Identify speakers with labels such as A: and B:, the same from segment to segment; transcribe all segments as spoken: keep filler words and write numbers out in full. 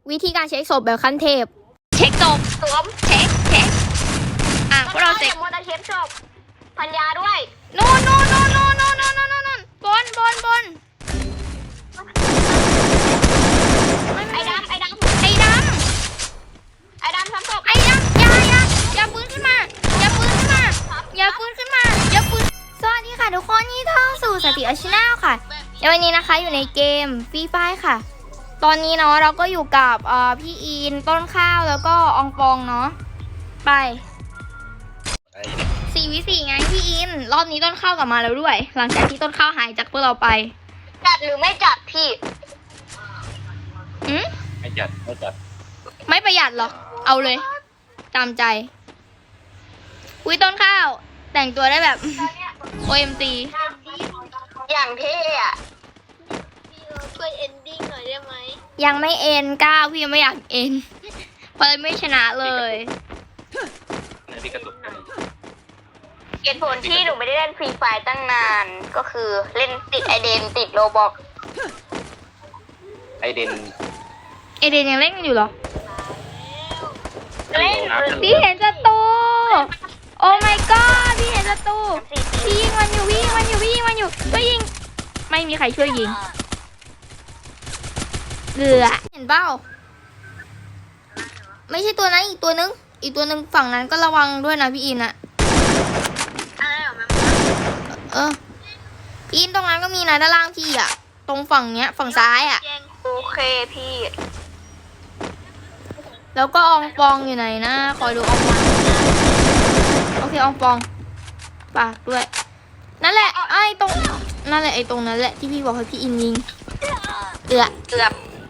A: วิธีการเช็คศพแบบขั้นเทพเช็คศพสวมเช็คเช็คอ่ะพวกเราเช็ค
B: มอเตอร์เช็คศพพันยาด้วย
A: โน่นโน่นโน่นโน่นโน่นโน่นโน่นโน่นบนบนบน
B: ไอ้ดำไอ้ดำ
A: ไอ้ดำ
B: ไอ้ดำทำศพ
A: ไอ้ดำอย่าอย่าอย่าปืนขึ้นมาอย่าปืนขึ้นมาอย่าปืนขึ้นมาอย่าปืนสวัสดีค่ะทุกคนนี่เข้าสู่สติอาชินาค่ะวันนี้นะคะอยู่ในเกมฟรีไฟค่ะตอนนี้เนาะเราก็อยู่กับพี่อินต้นข้าวแล้วก็อองปองเนาะไปสี่วิสี่ไงพี่อินรอบนี้ต้นข้าวกลับมาแล้วด้วยหลังจากที่ต้นข้าวหายจากพวกเราไป
B: จัดหรือไม่จัดพี่
A: อืม
C: ไม่จัดไม่จัด
A: ไม่ประหยัดหรอเอาเลยตามใจอุ้ยต้นข้าวแต่งตัวได้แบบ โอ เอ็ม จี
B: อย่างเท่อะ
D: ช่วยเอนดิ้งหน่อยได้ไหม
A: ยังไม่เอ็นก้าวพี่ยังไม่อยากเอ็นเพราะไม่ชนะเลย
C: พี่กระตุก
B: เหตุผลที่หนูไม่ได้เล่นฟรีไฟตั้งนานก็คือเล่นติดไอเดนติดโรบอก
C: ไอเดน
A: ไอเดนยังเล่นกันอยู่เหรอ
B: เล่น
A: พี่เห็นศัตรูโอ้ my god พี่เห็นศัตรูพี่ยิงมันอยู่พี่ยิงมันอยู่พี่ยิงมันอยู่ช่วยยิงไม่มีใครช่วยยิงเกือเห็นเปล่าไม่ใช่ตัวนั้นอีกตัวนึงอีกตัวนึงฝั่งนั้นก็ระวังด้วยนะพี่อินอะเออพี่อินตรงนั้นก็มีนะด้านล่างพี่อะตรงฝั่งเนี้ยฝั่งซ้ายอะ
B: โอเคพี่
A: แล้วก็อองปองอยู่ไหนนะคอยดูอองปองโอเคอองปองปากด้วยนั่นแหละไอ้ตรงนั่นแหละไอ้ตรงนั้นแหละที่พี่บอกให้พี่อินยิงเกือบ
B: เกือบ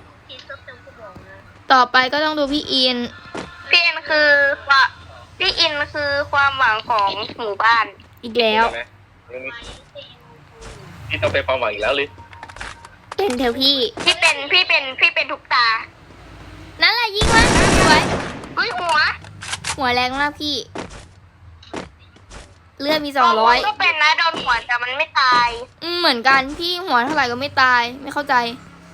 A: ต่อไปก็ต้องดูพี่อิน
B: พี่อินคือว่าพี่อินคือความหวังของหมู่บ้าน
A: อีกแล้ว
C: พี่ต้องเป็นความหวังอีกแล้วเลย
A: เป็นเถอะพี่
B: พี่เป็นพี่เป็นพี่เป็นทุกตา
A: นั่นแหละยิงมันสวย
B: เฮ้ยหัว
A: หัวแรงมากพี่เลือดมีสองร้อย
B: ก็เป็นนะโดนหัวแต่มันไม่ตาย
A: อืมเหมือนกันพี่หัวเท่าไหร่ก็ไม่ตายไม่เข้าใจ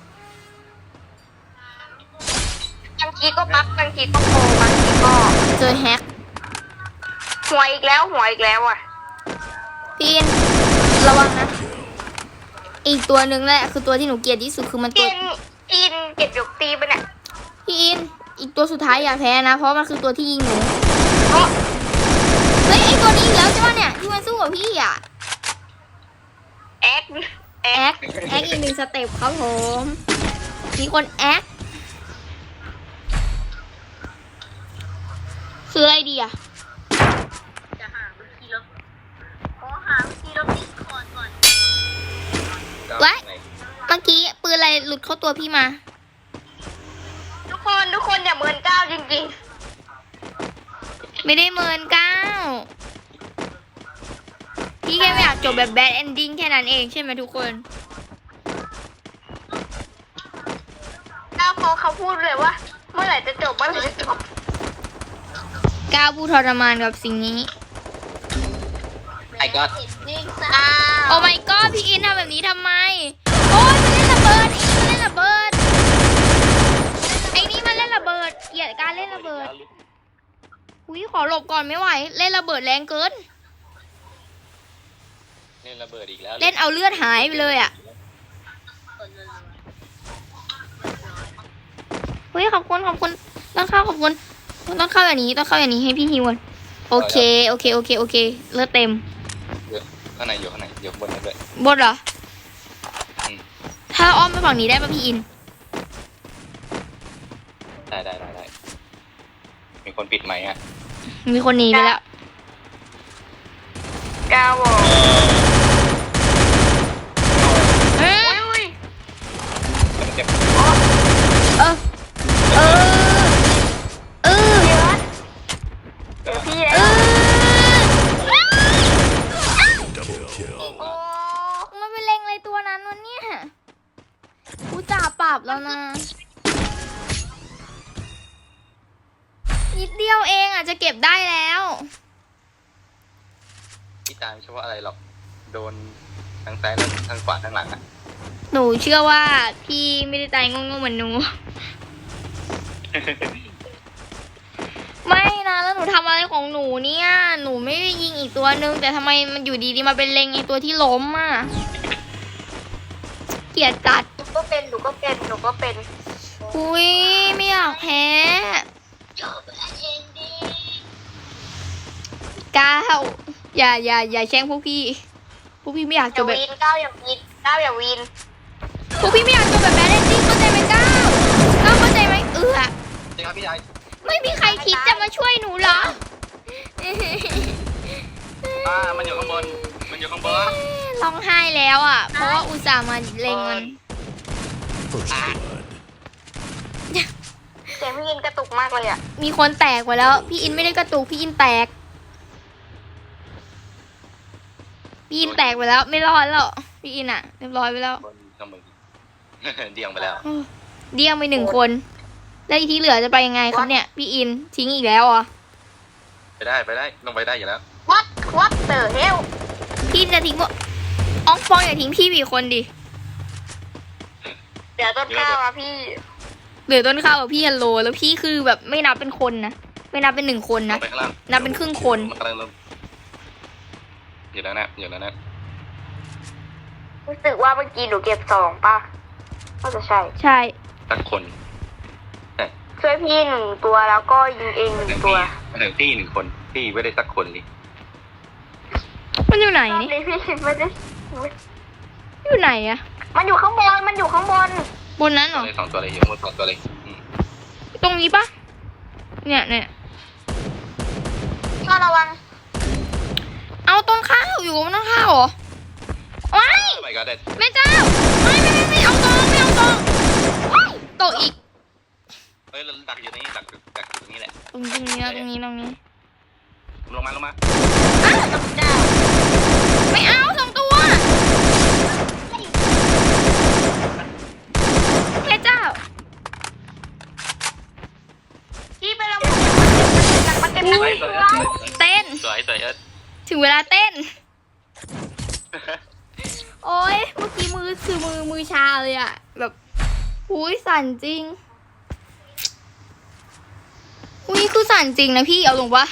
B: บางทีก็บั๊กบางทีก็โกงบางทีก็
A: เจอแฮก
B: หัวอีกแล้วหัวอีกแล้วอ่ะ
A: พี่อินระวังนะอีกตัวหนึ่งแหละคือตัวที่หนูเกลียดที่สุดคือมันตัว
B: อินเก็บยกตีไปเนี่ย
A: พี่อินอีกตัวสุดท้ายอย่าแพ้นะเพราะมันคือตัวที่ยิงหนูเฮ้ยไอตัวนี้อีกแล้วใช่ไหมเนี่ยที่มันสู้กับพี่อ่ะ
B: แอ๊ก
A: แอ๊กแอ๊กอีกหนึ่งสเต็ปครับผมมีคนแอ๊กคืออะไรดีอ่ะ
D: จะหาวิธีลบขอหาวิธีลบดิสคอร์ดก่อน
A: วะเมื่อกี้ปืนอะไรหลุดเข้าตัวพี่มา
B: ทุกคนทุกคนอย่าเมินก้าวจริง
A: ๆไม่ได้เมินก้าวพี่แค่ไม่อยากจบแบบแบดเอนดิ้งแค่นั้นเองใช่ไหมทุกคน
B: ก้าวเขาเขาพูดเลยว่าเมื่อไหร่จะจบเมื่อไหร่จะจบ
A: ก้าวผู้ทรมานกับสิ่งนี้
C: ไอ้ก็
A: โอ้ my god พี่อินทำแบบนี้ทำไมโอ้ยมันเล่นระเบิดไอ้นี่มันเล่นระเบิดไอ้นี่มันเล่นระเบิดเกลียดการเล่นระเบิดอุ้ยขอหลบก่อนไม่ไหวเล่นระเบิดแรงเกิน
C: เล่นระเบิดอีกแล้ว
A: เล่นเอาเลือดหายไปเลยอ่ะเฮ้ยขอบคุณขอบคุณต้องเข้าขอบคุณต้องเข้าอย่างนี้ต้องเข้าอย่างนี้ให้พี่ฮิวโอเคโอเคโอเคโอเคเลือดเต็ม
C: ข้างในอยู่ข้างในอยู่บนนั้นด้วย
A: บนเหรอถ้าอ้อมไปฝั่งนี้ได้ป่ะพี่อิน
C: ได้ได้ได้ได้มีคนปิดไหมฮะ
A: มีคนหนีไปแล้ว
B: ก้าว
A: เฮ้
B: ย
A: เออเออเออ
B: เดี๋ยวพี่
A: เออมันเป็นเล็งอะไรตัวนั้นวะเนี่ยกูจ่าปรับแล้วนะนิดเดียวเองอ่ะจะเก็บได้แล้ว
C: พี่ตายไม่ใช่ว่าอะไรหรอกโดนทั้งซ้ายและทั้งขวาทั้งหลังอ่ะ
A: หนูเชื่อว่าพี่ไม่ได้ตายงงๆเหมือนหนูไม่นะแล้วหนูทำอะไรของหนูเนี่ยหนูไม่ได้ยิงอีกตัวนึงแต่ทำไมมันอยู่ดีๆมาเป็นเล็งไอตัวที่ล้มอ่ะเกลียดจัด
B: หนูก็เป็นหนูก็เป็นหนูก็เป็น
A: อุ้ยไม่อยากแพ้
D: จบเองดี
A: ก้าวอย่าอย่าอย่าแช่งพวกพี่พวกพี่ไม่อยาก
B: อ
A: จ
B: ย่า
A: บแบบ
B: วีนก้าวอย่าวีนก้าวอย่าวีน
A: พวกพี่ไม่อยากจบแบบแบดเอนดิ้งเข้าใจไหมก้าวก้าวเข้าใจไหมเออ
C: จริงครับพี่ชาย
A: ไม่มีใครคิดจะมาช่วยหนูเหรอ
C: อ่ามันอยู่ข้างบนมันอยู่ข้างบน
A: ร้องไห้แล้วอ่ะ เพราะว่าอุตส่าห์มาเล็งมัน
E: First blood.
B: เสียงพี่ยินกระตุกมากเลยอ่ะ
A: มีคนแตกไปแล้ว พี่อินไม่ได้กระตุกพี่อินแตก พี่อินแตกไปแล้ว ไม่รอดแล้วพี่อินอ่ะเรียบร้อยไปแล้ว
C: บนข้างบน เดี่ยงไปแล้ว
A: เดี่ยงไปหนึ่งคน แล้วอีกที่เหลือจะไปยังไงครับเนี่ย พี่อินทิ้งอีกแล้วเหรอ่ะ
C: ไปได้ไปได้ลงไปได้อยู่แล้ว
B: วัดวัดเตอร์เฮล
A: พี่อินจะทิ้งพวกอองฟองอย่าทิ้งพี่อีกคนดิ
B: เดี๋ยวต้นข้าวอ่ะพี่
A: เหลือต้นข้าวกับพี่ฮัลโหลแล้วพี่คือแบบไม่นับเป็นคนนะไม่นับเป็นหนึ่งคน
C: ล
A: นะ
C: งไปข้างล่าง
A: นับเป็นครึ่งคน
C: มันกำลังลงอยู่แล้วนะอยู่แล้วนะ
B: รู้สึกว่าเมื่อกี้หนูเก็บสองป่ะก็จะใช่
A: ใช่
C: สักคน
B: ช่วยพี่หนึ่งตัวแล้วก็ยิงเองหนึ่ง
C: ถึง
B: ตัว
C: พี่ถึงพี่หนึ่งคนพี่ไม่ได้สักคนเลย
A: มันอยู่ไหน
B: รอบ
A: นี่
B: นี้พี่ไม่ได้
A: อยู่ไหนอะ
B: มันอยู่ข้างบนมันอยู่ข้างบน
A: บนนั้นเหรอ
C: เลยสองตัวเลยอยู่ข้างบนสองตัวเลยอืม
A: ตรงนี้ปะเนี่ยเนี่ย
B: ก็ระวัง
A: เอาต้นข้าวอยู่บนต้นข้าวเหรอว้าย
C: ไปก็ได้
A: แม่เจ้าไม่ไม่ไม่ไม่เอาตองไม่เอาตองว้ายตกอีก
C: เฮ้ยเราดักอยู่นี่ดักดักอยู่ตรงนี้แหละ
A: ตรงตรงนี้นะตรงนี้ตรงนี้
C: ลงมาลงมา
A: อ้าว
B: เจ้า
A: ไม่เอาสองตัวแม่เจ้า
B: พี่ไปแล้วมันจะ
A: อุ้ย
C: สวย
A: เต้น
C: สวยสวยเอิร์ธ
A: ถึงเวลาเต้น โอ้ยเมื่อกี้มือคือมือมือชาเลยอะแบบอุ้ยสั่นจริงอุ้ยคือสั่นจริงนะพี่เอาลงปะ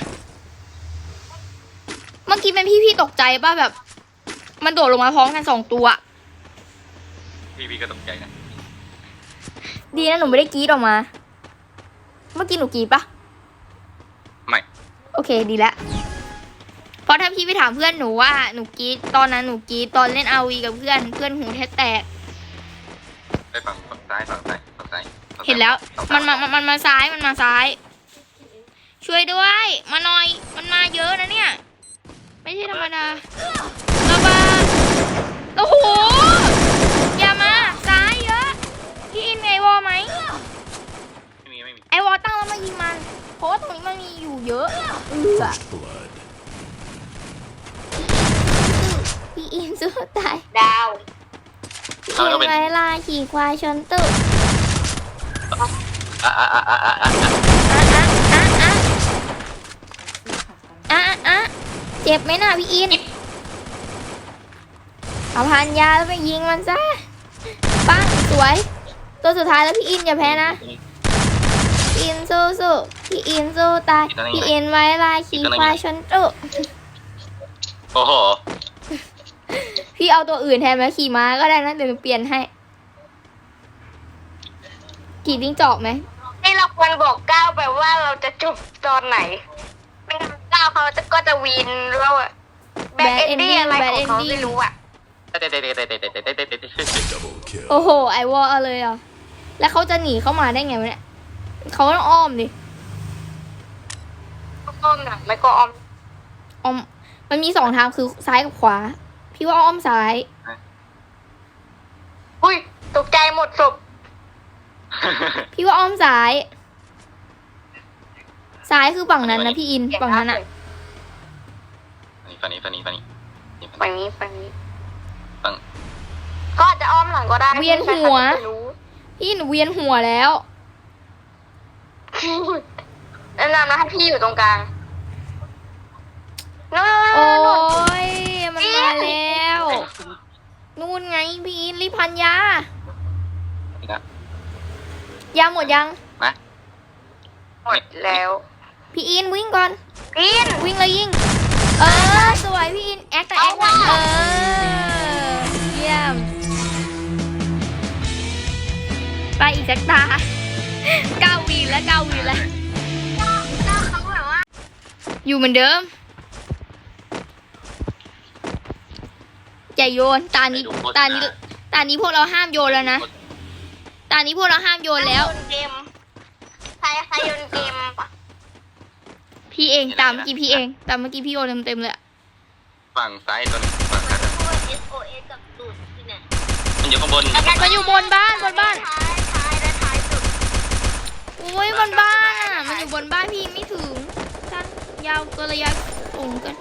A: เมื่อกี้เป็นพี่พี่ตกใจป่ะแบบ มันโดดลงมาพร้อมกันสองตัว
C: พี่พี่ก็ตกใจนะ
A: ดีนะหนูไม่ได้กรีดออกมา เมื่อกี้หนูกรีดปะ
C: ไม่
A: โอเคดีแล้วเพราะถ้าพี่ไปถามเพื่อนหนูว่าหนูกรีดตอนนั้นหนูกรีดตอนเล่นอาวีกับเพื่อนเพื่อนหูแทบแตก
C: ไปฝั่งฝั่งซ้ายฝั่งซ้ายฝั่งซ้ายฝั่งซ้าย
A: เห็นแล้ว
C: ฝั่ง
A: มัน
C: ซ้าย
A: มามันมันมาซ้ายมันมาซ้าย ช่วยด้วย มาหน่อย มันมาเยอะนะเนี่ย ไม่ใช่ธรรมดาระเบิดโอ้โหอย่ามาซ้ายเยอะพี่อินไอวอลไหม
C: ไม่มีไม่มี
A: ไอวอลตั้งแล้วมายิงมันเพราะว่าตรงนี้มันมีอยู่เยอะเออ
E: First blood.
A: พี่อินสู้ตาย
B: ดาว
A: พี่อินไว้ลาขี่ควายชนตึก
C: อ่ะอ่ะอ่ะอ่ะอ่ะอ่ะ
A: อ่ะอ่ะอ่ะอ่ะอ่ะอ่ะเจ็บไหมน่ะพี่อินเอาพันยาแล้วไปยิงมันซะปังสวย ตัวสุดท้ายแล้วพี่อินอย่าแพ้นะพี่อินสู้สู้พี่อินสู้ตายพี่อินไว้ลายขี่ควายชนตุ
C: โอ้โห
A: พี่เอาตัวอื่นแทนไหมขี่ม้าก็ได้นะเดี๋ยวหนูเปลี่ยนให้ขี่จิ้งจอกไหม
B: นี่เราควรบอกก้าวไปว่าเราจะจบตอนไหนไม่งั้นก้าวเขาจะก็จะวีนเราอะแบดเอนดี้อะไรของเขาไม่รู้อะ
C: เตะเตะเตะเตะเตะเตะเตะเตะเตะ
E: Double kill.
A: โอ้โหไอวอลเอาเลยเหรอ่ะแล้วเขาจะหนีเข้ามาได้ไงวะเนี่ยเขาต้องอ้อมดิ
B: อ้อมหนังไม่ก็อ้อม
A: อ้อมมันมีสองทางคือซ้ายกับขวา พี่ว่าอ้อมซ้าย
B: อุ้ยตกใจหมดศพ
A: พี่ว่าอ้อมซ้าย ซ้ายคือฝั่งนั้นนะพี่อินฝั่งนั้นอะ
C: ฝั่งนี้ฝั่งนี้ฝั่งนี้
B: ฝั่งนี้ฝั่งนี้
C: ฝั่ง
B: ก็อาจจะอ้อมหลังก็ได้
A: เวียนหัว
B: ไม่รู้
A: พี่หนูเวียนหัวแล้ว
B: แนะนำนะให้พี่อยู่ตรงกลางนู่น
A: โอ้
B: นู่น
A: ยมันมาแล้วนู่นไงพี่อินรีบพันยา
C: นี่นะ
A: ยาหมดยัง
C: มา
B: หมดแล้ว
A: พี่อินวิ่งก่อน
B: กิน
A: วิ่งเลยยิง เออ สวยพี่อิน แอคแต่แอคหน่อยเออ เยี่ยม ไปอีกสักตาเก้าวีแล้วเก้าวีแล้ว
B: เขาแบบว่า
A: อยู่เหมือนเดิมอย่าโยน ตานี้ ตานี้ ตานี้พวกเราห้ามโยนแล้วนะ ตานี้พวกเราห้ามโยนแล้ว
B: โยนเกมใครใครโยนเกมปะ
A: พี่เองตามเมื่อกี้พี่เองตามเมื่อกี้พี่โยนเต็มๆเลยอะ
C: ฝั่งซ้ายตัวหนึงฝั่งซ้ายตัวหนึ่ง
D: พูด เอส โอ เอส กับตูดที่ไหน
C: มันอยู่ข้างบน
A: มันอยู่บนบ้านบนบ้าน
B: ท้ายท้ายและท้ายสุด
A: อุ้ยบนบ้านอ่ะ มันอยู่บนบ้านพี่ไม่ถึงสั้นยาวเกินระยะสูงเกิน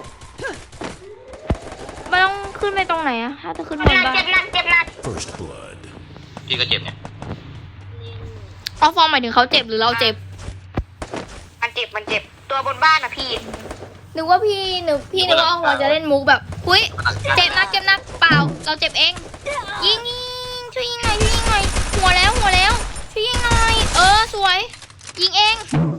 A: มันต้องขึ้นไปตรงไหนอะถ้าจะขึ้นบน
B: เจ็บหนัก
A: บ้าน
B: เจ็บหนักเจ็บหนัก
E: First blood.
C: พี่ก็เจ็บเนี่ย
A: อ๋อฟองหมายถึงเขาเจ็บหรือเราเจ็บ
B: มันเจ็บมันเจ็บตัวบนบ้านอะพี่
A: นึกว่าพี่นึกพี่นึกว่าเราจะเล่นมุกแบบหุ้ยเจ็บนักเจ็บนักเปล่า เราเจ็บเอง ยิงยิงช่วยยิงหน่อยช่วยยิงหน่อยหัวแล้วหัวแล้วช่วยยิงหน่อยเออสวย ยิงเอง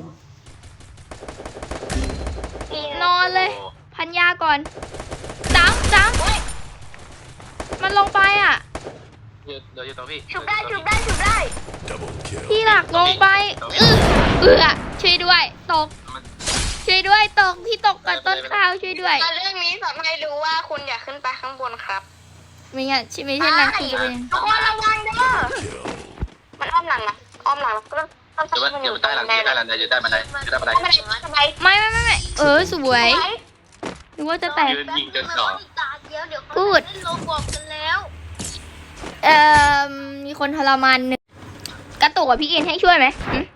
A: นอนเลย พันยาก่อนจ้ำจ้ำมันลงไปอ่ะ
C: เดี๋ยวเดี๋ยวอยู่ตรงพี่
B: ชุบได้ชุบได้ชุบได้
E: Double kill.
A: พี่หลักลงไปเออเออช่วยด้วยตก
C: มัน
A: ช่วยด้วยตกพี่ตกกับต้นข้าวช่วยด้วย
B: แต่เรื่องนี้สอนให้รู้ว่าคุณอย่าขึ้นไปข้างบนครับ
A: ไม่งั้นใช่ไหมใช่นางคือจะเป็น
B: ทุกคนระวังเด้อ
E: Kill.
B: มันอ้อมหลังนะอ้อมหลังแล้วก็ต้อง
C: เดี๋ยวมันเดี๋ยวมันใต้หลังอยู่ใต้หลังอยู่ใต้บันไดอยู่ใต้บันได
B: ไม่เป็นไรสบาย
A: ไม่ไม่ไม่ไม่เออสวยหรือว่าจะแตก
C: ยืนยิงจนจ่อ
D: ตาเดียวเดี๋ยวเขา
A: กูด
D: เล่นโลบอกกันแล้ว
A: เอ่อมีคนทรมานหนึ่งกระตุกกับพี่อินให้ช่วยไหมหึ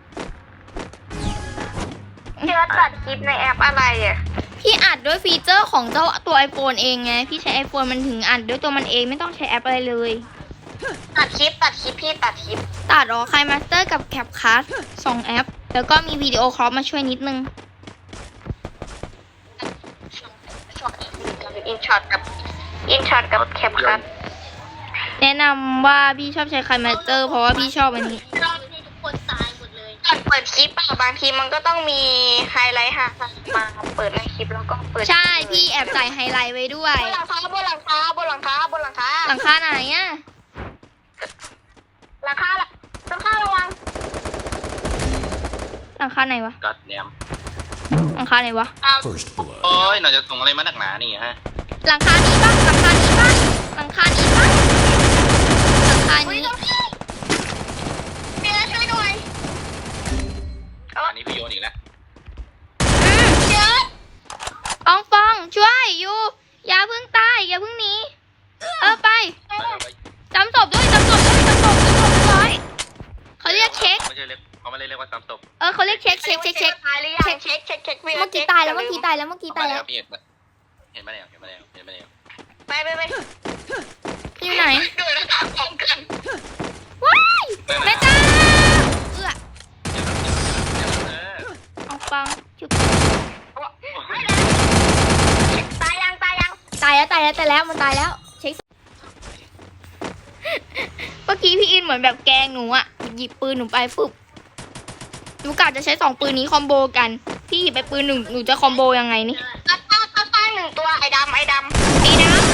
B: เชื่อตัดคลิปในแอปอะไรอ่ะ
A: พี่อัดด้วยฟีเจอร์ของเจ้าตัว iPhone เองไงพี่ใช้ iPhone มันถึงอัดด้วยตัวมันเองไม่ต้องใช้แอปอะไรเลย
B: ตัดคลิปตัดคลิปพี่ตัดคลิป
A: ตัดออกคายมาสเตอร์กับแคปคัสสองแอป แล้วก็มีวิดีโอครอปมาช่วยนิดนึง
B: ช็อตอินช็อตกับอินช็อตกับแคปคัท
A: แนะนำว่าพี่ชอบใช้คายมาสเตอร์เพราะว่าพี่ชอบอันนี้
D: รอบนี้ทุกคนตายหมดเลย
B: ก่อนเปิดคลิปอะบางทีมันก็ต้องมีไฮไลท์ค่ะมาเปิดในคลิปแล้วก็เปิด
A: ใช่พี่แอบใส่ไฮไลท์ไว้ด้วย
B: บนหลังคาบนหลังคาบนหลังคาบนหลังคา
A: หลังคาไหนอะ
B: หลังคาละหลังคาระวัง
A: หลังคาไหนวะ
C: กัดแนม
A: หลังคาไหนวะ
E: First
C: โอ้
E: blood.
C: ยน่าจะส่งอะไรมาหนักหนานี่ฮะ
A: หลังคานี้ปะหลังคานี้ปะหลังคานี้ปะหลังคา
B: อุ้ย
A: นี้
B: น้องพี่เมียช่วยหน่อย
C: อันนี้พี่โยนอีกแล้ว
B: เยอะ
A: อองฟองช่วยอยู่อย่าเพิ่งตายอย่าเพิ่งหนีเออไป
C: ไปเลยไป
A: จำศพด้วยจำศพด้วยจำศพจำศพร้อยเขาเรียกเช็ค
C: ไม่ใช่เรียกเขาไม่ได้เรียกว่าซ้ำศพ
A: เออเขาเรียกเช็คเช็คเช็คเช็ค
B: ตายหรือยังเช็คเช็คเช็ค
A: เมื่อกี้ตายแล้วเมื่อกี้ตายแล้วเมื่อกี้ตายแล้ว
C: พี่เห็นปะเห็นมาแล้วเห็นมาแล้วเห็นมาแล้ว
B: ไปไปไป
A: อยู่ไหน
B: โดยระดับของกัน
A: ว้ายแม่จ้าเอื้อ
C: เออ
A: อองฟองจุบ
B: ตายยังตายยัง
A: ตายแล้วตายแล้วตายแล้วมันตายแล้วเช็คเมื่อกี้พี่อินเหมือนแบบแกล้งหนูอะหยิบปืนหนูไปปุ๊บหนูกะจะใช้สองปืนนี้คอมโบกันพี่หยิบไปปืนหนึ่งหนูจะคอมโบยังไงนี่
B: ตัดต้าตัดต้าหนึ่งตัวไอ้ดำไอ้ด
A: ไอ้ดำ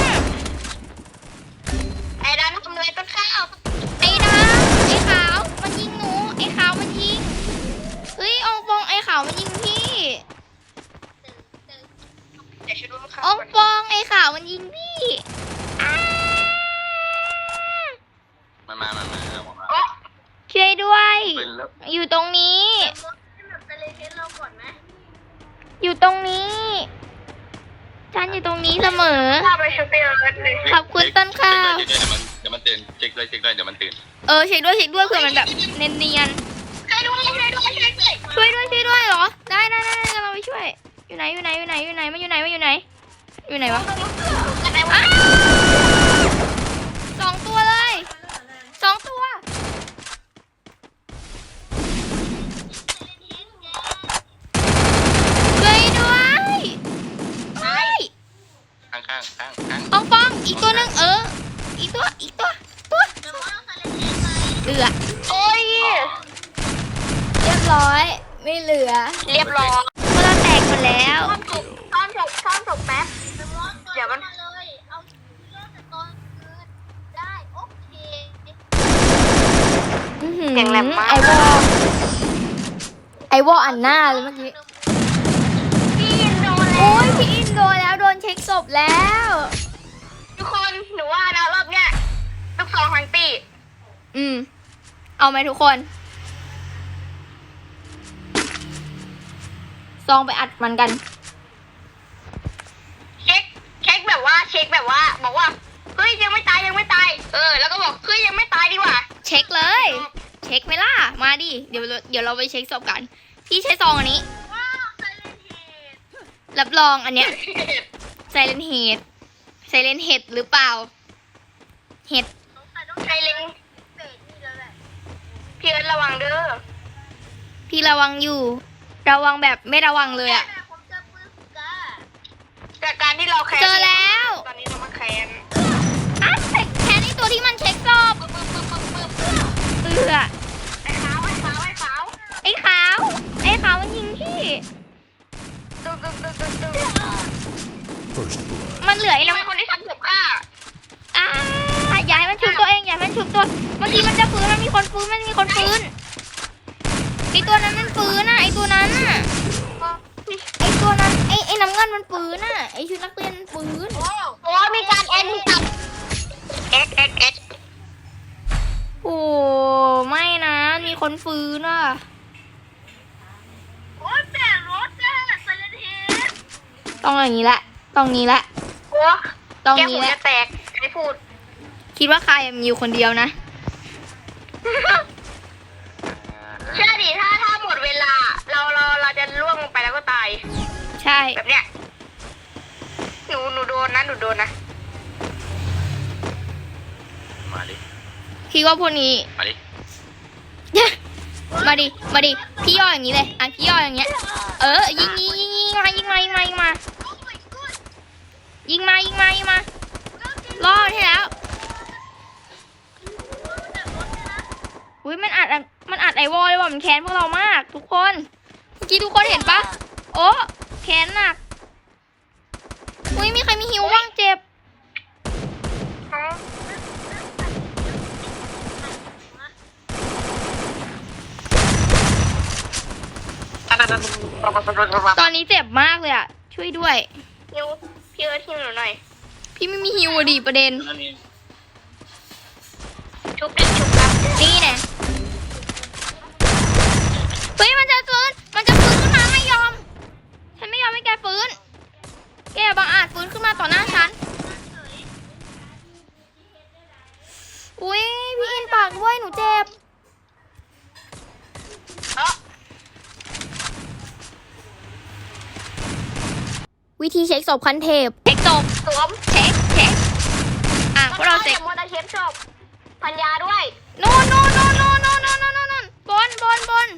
B: ำไอ้ดำทำเลยต้นข้าว
A: ไอ้ดำไอ้ขาวมันยิงหนูไอ้ขาวมันยิงเฮ้ยอองฟองไอ้ขาวมันยิงพี่
B: เดี๋ยวช่วยดูข้าว
A: อองฟองไอ้ขาวมันยิงพี่อ้า
C: มามามามาเอาออกมา
A: ช่วยด้วย
C: เป็นแล้ว
A: อยู่ตรงนี้
D: ให้แบบไปเลยเทสเราก่อนไหม
A: อยู่ตรงนี้ฉันอยู่ตรงนี้เสมอ
B: ข้าวไปชุบไปเลยเลย
A: ขอบคุณต้นข้าว
C: เดี๋ยวมันเดี๋ยวมันตื่นเช็คเลยเช็คเลยเดี๋ยวมันตื่น
A: เออเช็คด้วยเช็คด้วยเผื่อมันแบบเนียน
B: ใครด้วยใครด้วยใครด้วย
A: ๆช่วยด้วยช่วยด้วยเหรอ ได้ได้ได้กำลังไปช่วย อยู่ไหนอยู่ไหนอยู่ไหนอยู่ไหนมันอยู่ไหนมันอยู่ไหน อยู่ไหนวะ
B: อะไรวะ
A: อ้าวสองตัวเลยสองตัวช่วยด้วยเฮ้ย
C: ข้างข้างข้างข้าง
A: อองฟองอีกตัวหนึ่งเออ อีกตัวอีกตัวตัว
D: แต่ว่าเราใส่เลยเทสไป
A: เอือ
B: โอ้ย
A: เรียบร้อยไม่เหลือ
B: เรียบร้อย
A: เพราะเราแตกหมดแล้ว
B: ซ่อนศพซ่อนศพซ่อนศพแป๊บ
D: ไปมอนตัว
B: เดี๋ยวมัน
D: มาเลยเอาเรื่องจากตอนคืนได้โอเค
A: อื้อหือ
B: เสียงแหลมมาก
A: ไอวอลไอวอลอันหน้าเลยเมื่อกี้
B: พี่อินโดนแล้
A: โอ้
B: วย
A: พี่อินโดนแล้วโดนเช็คศพแล้ว
B: ทุกคนหนูว่านะรอบเนี้ยลูกซองทั้งตี
A: อืม เอาไหมทุกคน ซองไปอัดมันกัน
B: เช็คเช็คแบบว่าเช็คแบบว่า บอกว่าเฮ้ยยังไม่ตายยังไม่ตายเออแล้วก็บอกเฮ้ยยังไม่ตายดีกว่า
A: เช็คเลย เช็คไหมล่ะ มาดิ เดี๋ยวเราเดี๋ยวเราไปเช็คศพกัน พี่ใช้ซองอันนี้
D: ว้าวไซเลนเฮด
A: รับรองอันเนี้ยไซเลนเฮดไซเลนเฮดหรือเปล่า เห็ด
D: สงสัยต้อง
B: ใครเล็ง
D: เบรกนี่แล้วแหละ
B: พี่เอิร์ธระวังเด้อ
A: พี่ระวังอยู่ ระวังแบบไม่ระวังเลยอะ
D: แต่ผมเจอปืนกา
B: จากการที่เราแคน
A: เจอแล้ว
B: ตอนนี้เรามาแคน
A: อ่ะแต่แค่นี้ตัวที่มันเช็คศพ
B: ปึ๊บปึ๊บปึ๊บปึ๊บปึ๊บ
A: เอือ
B: ไอ้ขาวไอ้ขาวไอ้ขาว
A: ไอ้ขาว ไอ้ขาวมันยิงพี่
B: ตึ๊บตึ๊บตึ๊บตึ๊บตึ๊บ
E: First blood.
A: มันเหลือไอ้
B: นี่
A: น้ำ
B: เป็นคนที่ทำผมฆ่า
A: อ่าอย่าให้มันชุบตัวเองอย่าให้มันชุบตัวเมื่อกี้มันจะฟื้นมันมีคนฟื้นมันมีคนฟื้นไอตัวนั้นมันฟื้นน่ะไอตัวนั้นน่ะไอตัวนั้นไอไอน้ำเงินมันฟื้นน่ะไอชุดนักเรียนมันฟื้น
B: โอ้โหมีการแอนมีการเอ็กเอ็กเอ็ก
A: โอ้ไม่นะมีคนฟื้นอ่ะ
D: โอ้ยแปดรถอะไซเลนเฮด
A: ต้องอย่างนี้แหละต้องนี้แหละ
B: โอ้
A: ต้อง
B: แก้ว
A: นี้
B: หู
A: แหละ
B: จะแตกไม่พูด
A: คิดว่าใครมีอยู่คนเดียวนะ
B: เชื่อดิถ้าถ้าหมดเวลา เราเราเราจะล่วงลงไปแล้วก็ตาย
A: ใช่
B: แบบเนี้ยหนูหนูโดนนะหนูโดนนะ
C: มาดิ
A: คิดว่าพวกนี้
C: มาดิ
A: มาดิมาดิพี่ย่ออย่างนี้เลยอ่ะพี่ย่ออย่างเงี้ยเออยิงยิงยิงยิงมายิงมายิงมายิงมายิงมายิงมายิงมารอดให้แล้วอุ้ยมันอัดมันอัดไอวอลเลยว่ะมันแค้นพวกเรามาก ทุกคนเมื่อกี้ทุกคนเห็นปะโอ้แค้นหนักอุ้ยมีใครมีหิวบ้างเจ็บตอนนี้เจ็บมากเลยอ่ะช่วยด้วย
B: ฮิวพี่เอิร์ธฮิวหนูหน่อย
A: พี่ไม่มีฮิวอะดิประเด็น
B: ชุบดิชุบครับ
A: นี่แน่เฮ้ยมันจะฟื้นมันจะฟื้นขึ้นมาไม่ยอม ฉันไม่ยอมให้แกฟื้น แกบังอาจฟื้นขึ้นมาต่อหน้าฉัน อุ้ยพี่อินปากด้วยหนูเจ็บ
B: เอ้อ
A: วิธีเช็คศพคันเทปเช็คศพ
B: สวม
A: เช็คเช็คอ่ะพวกเราเช็ค
B: อย่ามัวแต่เช็คศพพันยาด้วย
A: โน่นโน่นโน่นโน่นโน่นโน่นโน่นโน่นบนบนบน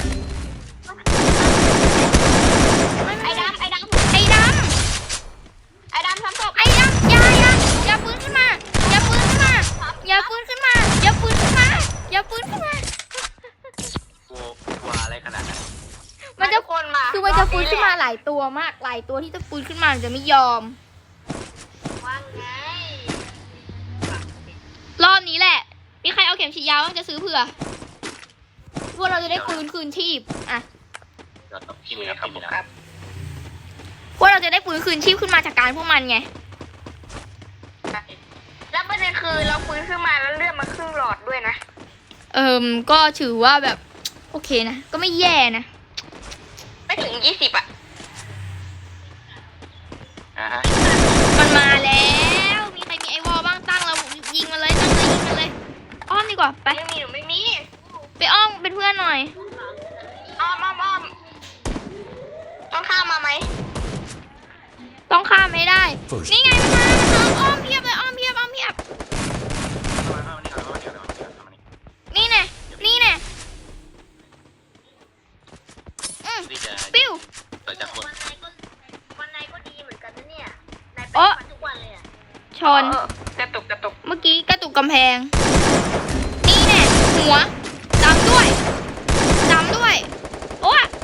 A: ไม่ไม่
B: ไอ้
A: ไม่
B: ดำไอ้ดำ
A: ไอ้ดำ
B: ไอ้ดำทำศพ
A: ไอ้ดำอย่าอย่าอย่าฟื้นขึ้นมา อย่าฟื้นขึ้นมา อย่าฟื้นขึ้นมา อย่าฟื้นขึ้นมา อย่าฟื้นขึ้นมา
C: กลัวกลัวอะไรขนาดนั้น
A: มันจะ
B: ทุกคนมา
A: คือมันจะฟื้นขึ้นมาหลายตัวมาก หลายตัวที่จะฟื้นขึ้นมามันจะไม่ยอม
D: ว่าไง
A: รอบนี้แหละ มีใครเอาเข็มฉีดยาบ้างจะซื้อเผื่อ พวกเราจะได้ฟื้นคืนชีพ อ่ะ
C: เดี๋ยวต้องพี่มีนะพี่มีนะ
B: ครับ
A: พวกเราจะได้ฟื้นคืนชีพขึ้นมาจากการพวกมันไง
B: แล้วประเด็นคือเราฟื้นขึ้นมาแล้วเลือดมาครึ่งหลอดด้วยนะ
A: เอิมก็ถือว่าแบบ โอเคนะ ก็ไม่แย่นะ
B: ไม่ถึงยี่สิบอ่ะ
C: อ่าฮะ
A: มันมาแล้ว มีใครมีไอวอลบ้างตั้งเรายิงมันเลยตั้งเลยยิงมันเลย อ้อมดีกว่า ไป
B: ไม่มีหนูไม่มี
A: ไปอ้อมเป็นเพื่อนหน่อย
B: อ้อมอ้อมอ้อมต้องข้ามมาไหม
A: ต้องข้ามให้ได้
E: First
A: นี่ไงมันมามันมาอ้อมเพียบเลยอ้อมเพียบอ้อมเพียบ
C: เอามานี่เอามานี่เอามานี่เอามานี่
A: นี่แน่นี่แน่อืม
C: ที่จะ
A: ปิ้ว
C: เปิดจากคน
D: วันไหนก็วันไหนก็ดีเหมือนกันนะเนี่ยนายไป
A: โอ๊ะ
D: ทุกวันเลยอ่ะ
A: ชน
B: เออกระตุกกระตุก
A: เมื่อกี้กระตุกกำแพง นี่แน่หัวจำด้วยจำด้วย โอ้ย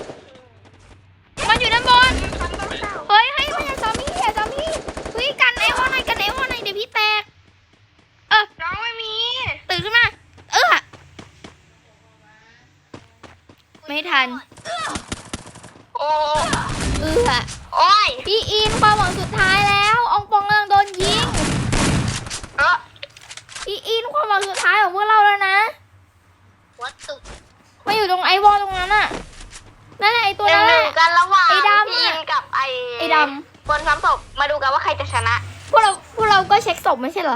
A: ไม่ทัน
B: โอ้
A: เอือ
B: โอ้ย
A: พี่อินความหวังสุดท้ายแล้วอองปองกำลังโดนยิง
B: เออ
A: พี่อินความหวังสุดท้ายของพวกเราแล้วนะ
D: วัดตุก
A: มาอยู่ตรงไอวอลตรงนั้นน่ะนั่นแหละไอตัว
B: หนึ่
A: นั้
B: ง
A: น
B: ห
A: แห
B: นึ่ง
A: ละ
B: กันระหว่าง
A: ไอ้ดำ
B: พี
A: อะ
B: นกับไอ้
A: ไอ้ด
B: คนซ้ำศพมาดูกันว่าใครจะชนะ
A: พวกเราพวกเราก็เช็คศพไม่ใช่เหรอ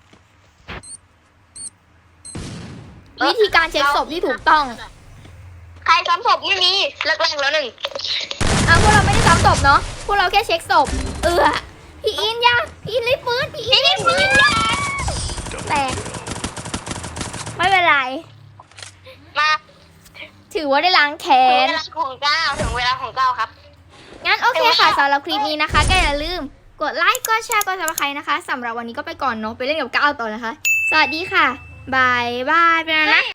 A: วิธีการเช็คศพที่ถูกต้อง
B: ใครซ้ำศพไม่มีเลิกแรกแล้วหนึ่ง
A: อ่ะพวกเราไม่ได้ซ้ำศพเนาะพวกเราแค่เช็คศพเออพี่อินยาพี่อินรีบฟื้นพี่อินรีบฟื้นแตกไม่เป็นไร
B: มา
A: ถือว่าได้ล้างแค้
B: ถึงเวน ลาของเก้าถึงเวลาของเก้าครับ
A: งั้นโอเคค่ะสำหรับคลิปนี้นะคะก็อย่าลืมกดไลค์กดแชร์กดซับสไครต์นะคะสำหรับวันนี้ก็ไปก่อนเนาะไปเล่นกับก้าวต่อนะคะ สวัสดีค่ะบายบายไปแล้วนะ